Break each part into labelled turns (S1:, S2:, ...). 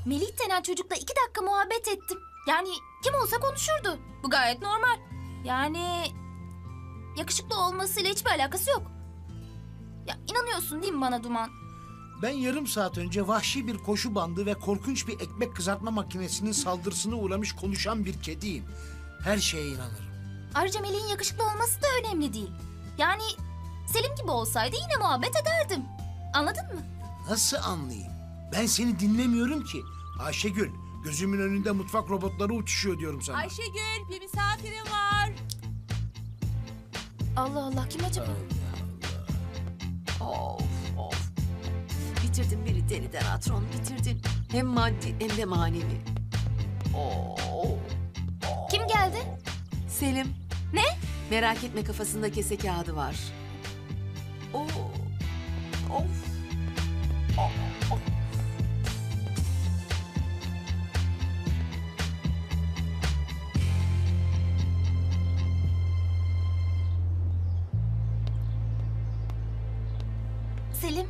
S1: Melih denen çocukla 2 dakika muhabbet ettim. Yani kim olsa konuşurdu. Bu gayet normal. Yani yakışıklı olmasıyla hiçbir alakası yok. Ya inanıyorsun değil mi bana Duman?
S2: Ben yarım saat önce vahşi bir koşu bandı ve korkunç bir ekmek kızartma makinesinin saldırısına uğramış konuşan bir kediyim. Her şeye inanırım.
S1: Ayrıca Melih'in yakışıklı olması da önemli değil. Yani Selim gibi olsaydı yine muhabbet ederdim. Anladın mı?
S2: Nasıl anlayayım? Ben seni dinlemiyorum ki. Ayşegül, gözümün önünde mutfak robotları uçuşuyor diyorum sana.
S3: Ayşegül, bir misafirim var.
S1: Allah Allah, kim acaba?
S3: Of of. Bitirdin beni deliden Atron, bitirdin. Hem maddi hem de manevi. Oo.
S1: Kim geldi?
S3: Selim.
S1: Ne?
S3: Merak etme, kafasında kese kağıdı var. Oo. Of.
S1: Selim.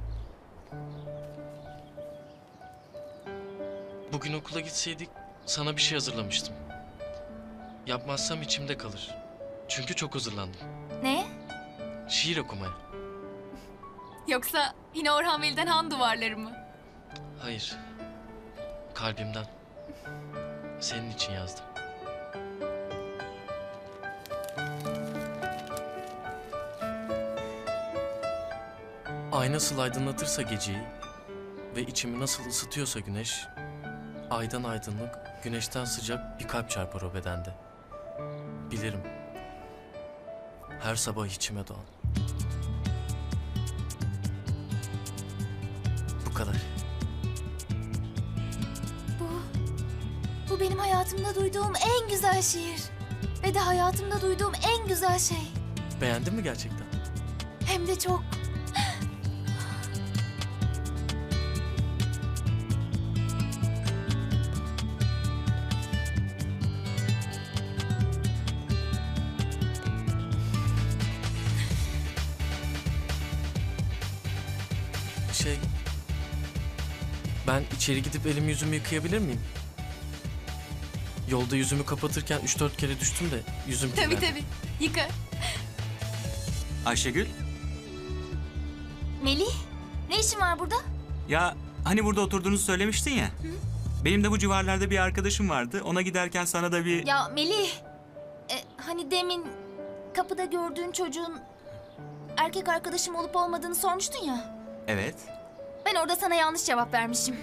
S4: Bugün okula gitseydik sana bir şey hazırlamıştım. Yapmazsam içimde kalır. Çünkü çok hazırlandım.
S1: Ne?
S4: Şiir okumaya.
S1: Yoksa yine Orhan Veli'den Han duvarları mı?
S4: Hayır. Kalbimden. Senin için yazdım. Ay nasıl aydınlatırsa geceyi ve içimi nasıl ısıtıyorsa güneş, aydan aydınlık, güneşten sıcak bir kalp çarpar o bedende. Bilirim. Her sabah içime doğan. Bu kadar.
S1: Bu benim hayatımda duyduğum en güzel şiir. Ve de hayatımda duyduğum en güzel şey.
S4: Beğendin mi gerçekten?
S1: Hem de çok.
S4: Ben içeri gidip elimi yüzümü yıkayabilir miyim? Yolda yüzümü kapatırken 3-4 kere düştüm de yüzüm kirlendi.
S1: Tabii. Yıka.
S5: Ayşegül,
S1: Melih, ne işin var burada?
S5: ya hani burada oturduğunuzu söylemiştin ya. Benim de bu civarlarda bir arkadaşım vardı. Ona giderken sana da bir...
S1: Ya Melih, hani demin kapıda gördüğün çocuğun erkek arkadaşım olup olmadığını sormuştun ya.
S5: Evet.
S1: Ben orada sana yanlış cevap vermişim.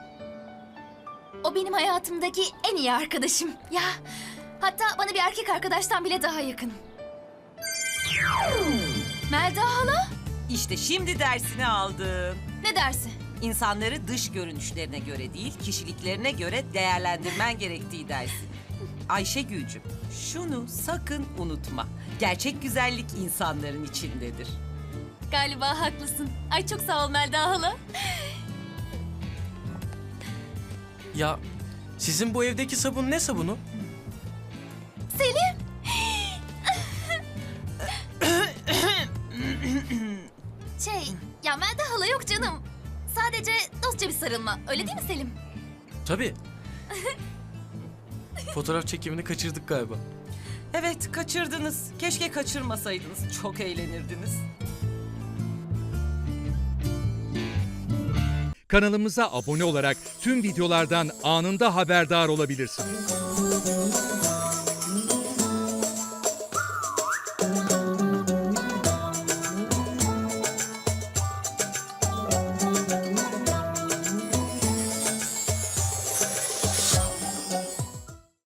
S1: O benim hayatımdaki en iyi arkadaşım. Ya hatta bana bir erkek arkadaştan bile daha yakın. Melda hala?
S6: İşte şimdi dersini aldım.
S1: Ne dersi?
S6: İnsanları dış görünüşlerine göre değil, kişiliklerine göre değerlendirmen gerektiği dersi. Ayşegül'cüm, şunu sakın unutma. Gerçek güzellik insanların içindedir.
S1: Galiba haklısın. Ay çok sağ ol Melda hala.
S4: Ya sizin bu evdeki sabun ne sabunu?
S1: Selim. Ya Melda hala yok canım. Sadece dostça bir sarılma. Öyle değil mi Selim?
S4: Tabii. Fotoğraf çekimini kaçırdık galiba.
S6: Evet, kaçırdınız. Keşke kaçırmasaydınız. Çok eğlenirdiniz.
S7: Kanalımıza abone olarak tüm videolardan anında haberdar olabilirsiniz.